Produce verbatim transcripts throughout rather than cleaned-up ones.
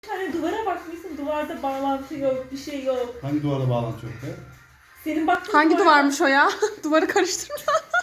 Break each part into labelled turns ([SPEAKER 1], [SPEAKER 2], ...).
[SPEAKER 1] Hani duvara bakmışsın, duvarda bağlantı yok, bir şey yok.
[SPEAKER 2] Hangi duvarda bağlantı yok be?
[SPEAKER 1] Senin baktığın
[SPEAKER 3] Hangi
[SPEAKER 1] duvarda...
[SPEAKER 3] duvarmış o ya? Duvarı karıştırma.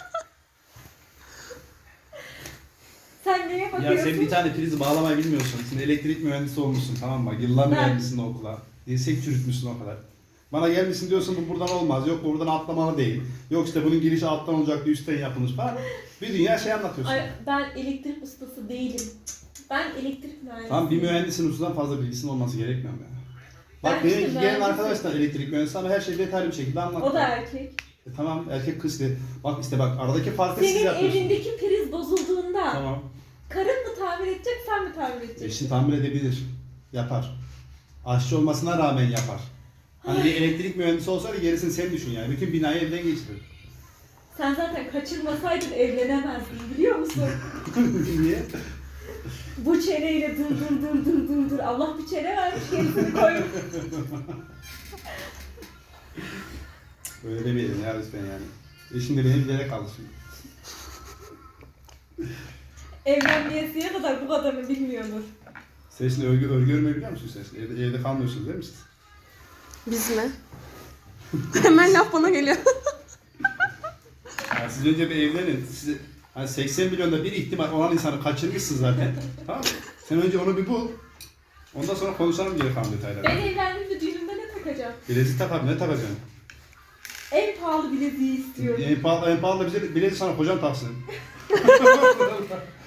[SPEAKER 1] Sen neye bakıyorsun?
[SPEAKER 2] Ya sen bir tane prizi bağlamayı bilmiyorsun. Sen elektrik mühendisi olmuşsun, tamam mı? Yıllarını
[SPEAKER 1] Ben-
[SPEAKER 2] vermişsin o okula. Dirsek çürütmüşsün o kadar. Bana gelmişsin diyorsun bu buradan olmaz. Yok bu buradan atlamalı değil. Yok işte bunun girişi alttan olacaktı, üstten yapılmış falan. Bir dünya şey anlatıyorsun.
[SPEAKER 1] Ay, ben elektrik ustası değilim. Ben elektrik mühendisiyim.
[SPEAKER 2] Tamam, bir mühendisin ustadan fazla bilgisinin olması gerekmiyor mu ya? Bak
[SPEAKER 1] Ben işte
[SPEAKER 2] benim gelen
[SPEAKER 1] mühendisim.
[SPEAKER 2] arkadaşlar elektrik mühendisi ama her şeyi detaylı bir şekilde anlattı.
[SPEAKER 1] O da erkek.
[SPEAKER 2] E tamam, erkek kız de. Bak işte bak aradaki farkı siz
[SPEAKER 1] Senin
[SPEAKER 2] yapıyorsunuz.
[SPEAKER 1] evindeki priz bozulduğunda
[SPEAKER 2] Tamam.
[SPEAKER 1] karın mı tamir edecek, sen mi tamir edeceksin?
[SPEAKER 2] Eşin tamir edebilir. Yapar. Aşçı olmasına rağmen yapar. Hani bir elektrik mühendisi olsaydı gerisini sen düşün yani. Bütün binayı elden geçirir.
[SPEAKER 1] Sen zaten kaçırmasaydın evlenemezdin, biliyor musun?
[SPEAKER 2] Niye?
[SPEAKER 1] Bu çeneyle dur dur dur dur dur dur. Allah bir çene vermiş, gerisini koymuş.
[SPEAKER 2] Öyle demeyelim ya lütfen yani. Eşin de beni bilerek aldı şimdi.
[SPEAKER 1] Evlenmeyesiye kadar bu kadarını bilmiyordur.
[SPEAKER 2] Sen şimdi örgü, örgü örmeyi biliyor musun sen? şimdi? Evde, evde kalmıyorsunuz değil mi siz?
[SPEAKER 3] Biz mi? Hemen laf bana geliyor.
[SPEAKER 2] Yani siz önce bir evlenin. Siz, hani seksen milyonda bir ihtimal olan insanı kaçırmışsın zaten. Tamam mı? Sen önce onu bir bul. Ondan sonra konuşalım geri kalan detayları.
[SPEAKER 1] Ben evlendiğimde düğünümde ne takacağım?
[SPEAKER 2] Bilezik tak abi, ne takacaksın?
[SPEAKER 1] En pahalı bileziği istiyorum.
[SPEAKER 2] En pahalı, en pahalı da bize bilezik sana kocan taksın.